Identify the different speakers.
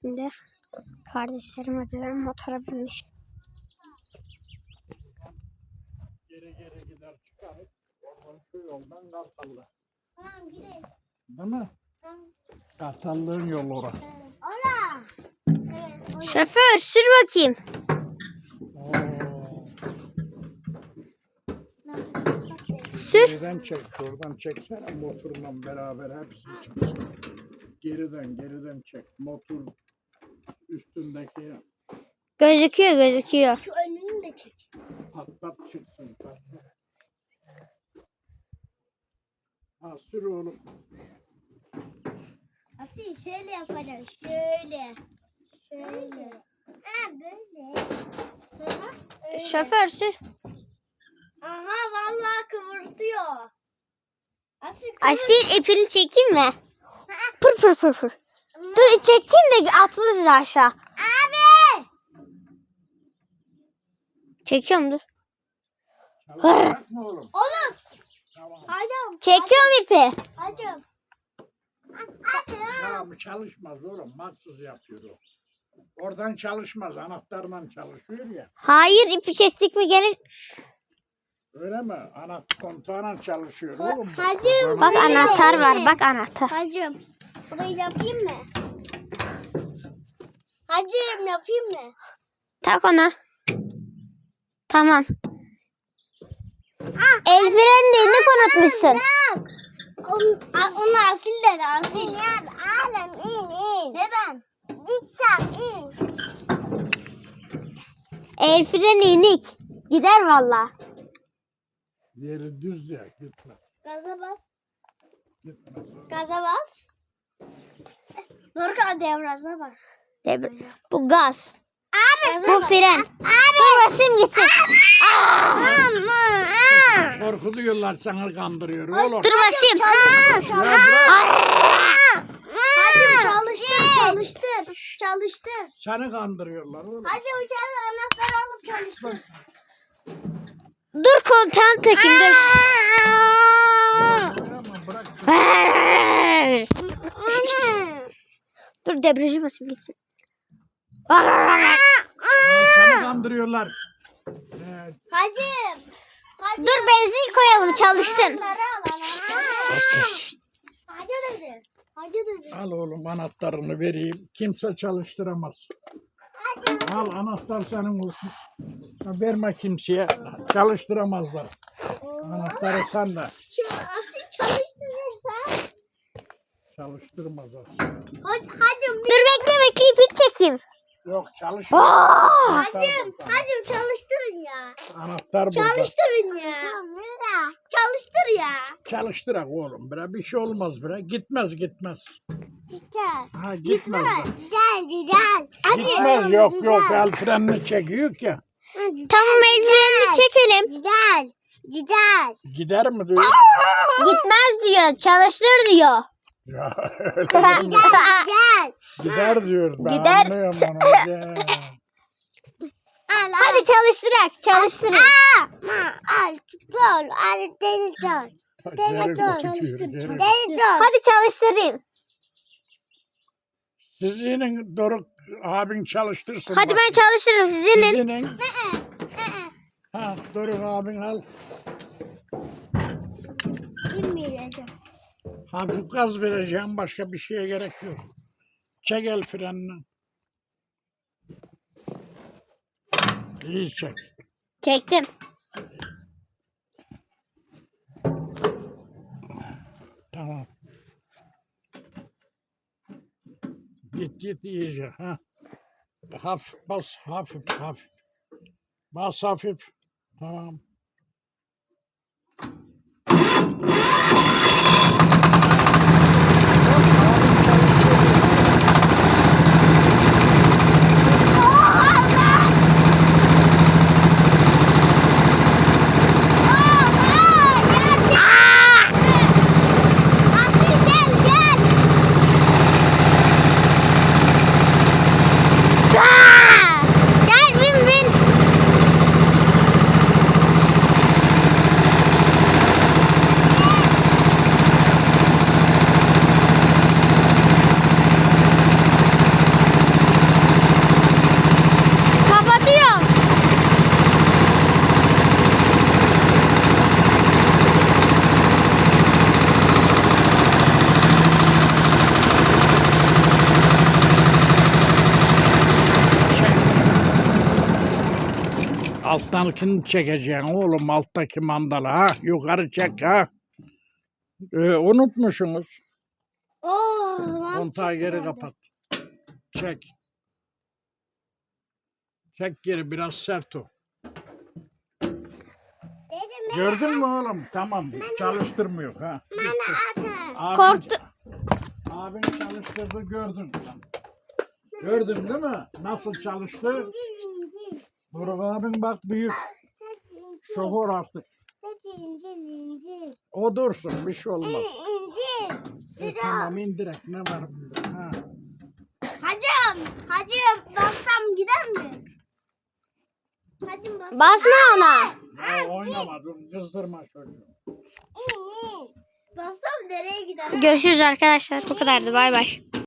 Speaker 1: Şimdi kardeşlerim hadi motora binmiş.
Speaker 2: Geri gider çıkarıp oradan şu yoldan Kartallı.
Speaker 3: Tamam gidelim.
Speaker 2: Değil mi?
Speaker 3: Tamam.
Speaker 2: Kartallı'nın yolu orası.
Speaker 3: Ora. Evet. Ora.
Speaker 1: Şoför sür bakayım. Sür.
Speaker 2: Geriden çek, şuradan çeksene motorla beraber hepsini çek. Geriden çek. Motor üstündeki
Speaker 1: Gözüküyor.
Speaker 3: Şu önünü de çek.
Speaker 2: patlat çıksın. Patlat. Ha sür oğlum.
Speaker 3: Asil şöyle yapacağım. Şöyle. Ha böyle. Aha, öyle.
Speaker 1: Şoför sür.
Speaker 3: Aha vallahi kıvırtıyor.
Speaker 1: Asil ipini çekeyim mi? Pır. Dur çekeyim de atlarız aşağı.
Speaker 3: Abi.
Speaker 1: Çekiyorum dur.
Speaker 2: Çalışacak mı oğlum?
Speaker 3: Oğlum.
Speaker 2: Tamam.
Speaker 3: Hacım.
Speaker 1: Çekiyorum ipi.
Speaker 3: Hacım.
Speaker 2: Ya bu çalışmaz oğlum. Maksız yapıyor o. Oradan çalışmaz. Anahtarla çalışıyor ya.
Speaker 1: Hayır ipi çektik mi gene.
Speaker 2: Öyle mi? Kontağına çalışıyor oğlum. bu.
Speaker 3: Hacım.
Speaker 1: Bak anahtar var bak anahtar.
Speaker 3: Hacım. Burayı yapayım mı? Hacım yapayım mı?
Speaker 1: Tak ona. Tamam. El frenini unutmuşsun.
Speaker 3: Onu Asil dedi Asil. Alem in. Neden? Gideceğim in.
Speaker 1: El freni inik. Gider valla.
Speaker 2: Yeri düz ya. Gitme.
Speaker 3: Gaza bas.
Speaker 2: Gitme.
Speaker 3: Gaza bas. Dorkan devrajına bas.
Speaker 1: Bu gaz.
Speaker 3: Gaza
Speaker 1: Bu
Speaker 3: bas.
Speaker 1: fren. Dur basayım gitsin.
Speaker 2: Korkutuyorlar sana kandırıyor oğlum.
Speaker 1: Dur basayım.
Speaker 2: Ya bırak.
Speaker 3: Hacım çalıştır.
Speaker 2: Seni kandırıyorlar oğlum.
Speaker 3: Hacım içeri anahtarı alıp çalıştır.
Speaker 1: Dur kontağını takayım dur.
Speaker 2: Ama bırak.
Speaker 1: Dur debriyajı basayım gitsin.
Speaker 2: Seni kandırıyorlar.
Speaker 3: Hacım.
Speaker 1: Dur benzin koyalım çalışsın.
Speaker 3: Anahtarı al. Hacı dedi.
Speaker 2: Al oğlum anahtarını vereyim. Kimse çalıştıramaz. Al anahtar senin olsun. Verme kimseye. Çalıştıramazlar. Anahtarı sen de.
Speaker 3: Şimdi Asil çalıştırırsa.
Speaker 2: Çalıştırmazlar.
Speaker 3: Hacım.
Speaker 1: Dur bekle ipi çekeyim.
Speaker 2: Yok çalış.
Speaker 3: Hacım çalıştırın ya.
Speaker 2: Anahtar burada.
Speaker 3: Çalıştırın ya. Çalıştır ya.
Speaker 2: Çalıştırak oğlum. Bre. Bir şey olmaz bre. Gitmez.
Speaker 3: Güzel.
Speaker 2: Ha gitmez. de.
Speaker 3: Güzel.
Speaker 2: Gitmez yok el frenini çekiyor ki.
Speaker 1: Tamam el frenini çekelim.
Speaker 3: Güzel.
Speaker 2: Gider mi diyor?
Speaker 1: Gitmez diyor çalıştır diyor.
Speaker 2: Ya öyle mi?
Speaker 3: Güzel.
Speaker 2: Gider diyor. Ben
Speaker 1: Gider.
Speaker 2: anlıyorum onu. Gel.
Speaker 1: Hadi çalıştırın.
Speaker 3: Al. Gol. Al. Deniz gol.
Speaker 2: Geri
Speaker 3: Çalıştır.
Speaker 2: götürüyor, geri.
Speaker 3: Deniz gol.
Speaker 1: Hadi çalıştırayım.
Speaker 2: Sizin Doruk abin çalıştırsın.
Speaker 1: Hadi
Speaker 2: bak.
Speaker 1: ben çalıştırırım sizinin.
Speaker 2: Sizinin. Ha Doruk abin al.
Speaker 3: İnmeyeceğim.
Speaker 2: Hafif gaz vereceğim. Başka bir şeye gerek yok. Çek el frenini. İyi çek.
Speaker 1: Çektim.
Speaker 2: Tamam. Git iyice. Ha. Hafif bas. Hafif. Bas hafif. Tamam.
Speaker 3: Asil gel.
Speaker 1: Gel bin.
Speaker 2: alttakini çekeceksin oğlum, alttaki mandalı ha. Yukarı çek ha. Unutmuşsunuz. Kontağı geri kapat. Çek. Çek geri, biraz sert o.
Speaker 3: Dedim
Speaker 2: Gördün mü oğlum? Tamam. Çalıştırmıyor ha.
Speaker 3: bana atın.
Speaker 1: Korktu.
Speaker 2: Abin çalıştırdı, gördün. Gördün değil mi? Nasıl çalıştı?
Speaker 3: İncil.
Speaker 2: Doruk abin bak büyük. Şoför artık.
Speaker 3: İncil.
Speaker 2: O dursun, bir şey olmaz.
Speaker 3: İncil.
Speaker 2: Tamam, indirek, ne var bunda? Ha.
Speaker 3: Hacım bassam gider mi? Hacım bassam.
Speaker 1: Basma ona.
Speaker 2: Ya oynama, dur, kızdırma çocuğu.
Speaker 3: Bassam nereye gider?
Speaker 1: Görüşürüz arkadaşlar. Bu kadardı. Bay bay.